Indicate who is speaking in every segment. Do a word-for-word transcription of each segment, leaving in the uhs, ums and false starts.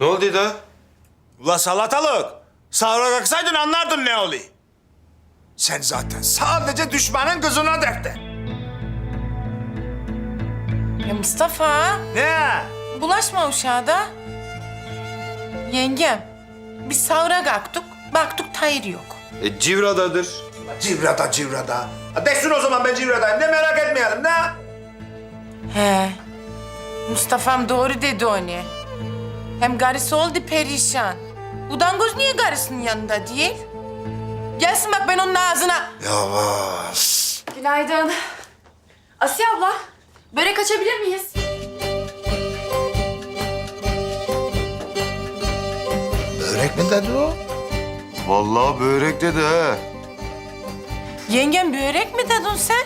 Speaker 1: Ne oldu da?
Speaker 2: Ula salatalık. Sahura kalksaydın anlardın ne oluyor. Sen zaten sadece düşmanın kızına defter.
Speaker 3: Ya Mustafa,
Speaker 2: Ne?
Speaker 3: bulaşma uşağa da. Yengem, biz sahura kalktık, baktık Tahir yok.
Speaker 1: E, Civra'dadır.
Speaker 2: Civrada civrada. Desin o zaman ben civradayım. Ne merak etmeyelim ne?
Speaker 3: He, Mustafa'm doğru dedi onu. Hem karısı oldu perişan. Udangoz niye karısının yanında değil? Gelsin bak ben onun ağzına.
Speaker 2: Yavaş.
Speaker 4: Günaydın. Asiye abla, börek açabilir miyiz?
Speaker 2: Börek mi dedi o?
Speaker 1: Vallahi börek dedi ha.
Speaker 3: Yengem börek mi dedin sen?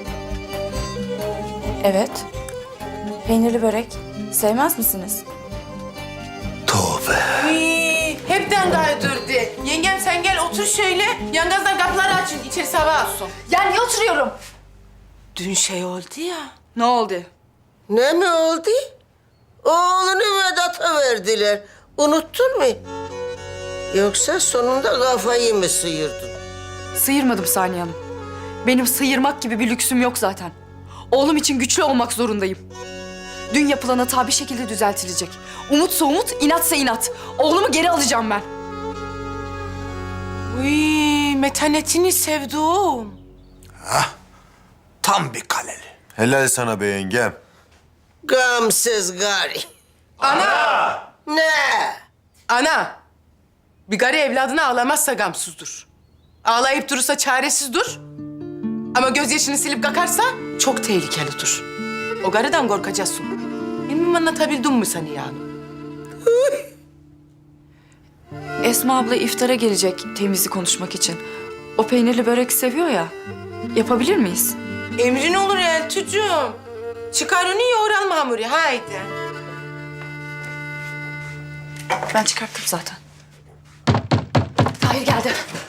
Speaker 4: Evet. Peynirli börek. Sevmez misiniz?
Speaker 2: Tövbe.
Speaker 3: Uy, hepten kaydırdı. Yengem sen gel otur şöyle. Yangazlar kapıları açın, içerisi hava alsın.
Speaker 4: Ya niye oturuyorum?
Speaker 3: Dün şey oldu ya.
Speaker 4: Ne oldu?
Speaker 5: Ne mi oldu? Oğlunu Vedat'a verdiler. Unuttun mu? Yoksa sonunda kafayı mı sıyırdın?
Speaker 6: Sıyırmadım Saniye Hanım. Benim sıyırmak gibi bir lüksüm yok zaten. Oğlum için güçlü olmak zorundayım. Dün yapılan hata bir şekilde düzeltilecek. Umutsa umut, inatsa inat. Oğlumu geri alacağım ben.
Speaker 3: Uy, metanetini sevdim.
Speaker 2: Tam bir kaleli.
Speaker 1: Helal sana be yengem.
Speaker 5: Gamsız gari.
Speaker 3: Ana!
Speaker 5: Ne?
Speaker 3: Ana! Bir gari evladını ağlamazsa gamsızdır. Ağlayıp durursa çaresizdir. Ama gözyaşını silip kakarsa çok tehlikelidir. O garıdan korkacaksın. Bilmem anlatabildim mi seni yani?
Speaker 6: Esma abla iftara gelecek temizlik konuşmak için. O peynirli börek seviyor ya. Yapabilir miyiz?
Speaker 3: Emrin olur Eltucuğum. Çıkar onu yoğuralım hamuru, haydi.
Speaker 6: Ben çıkarttım zaten.
Speaker 4: Tahir geldi.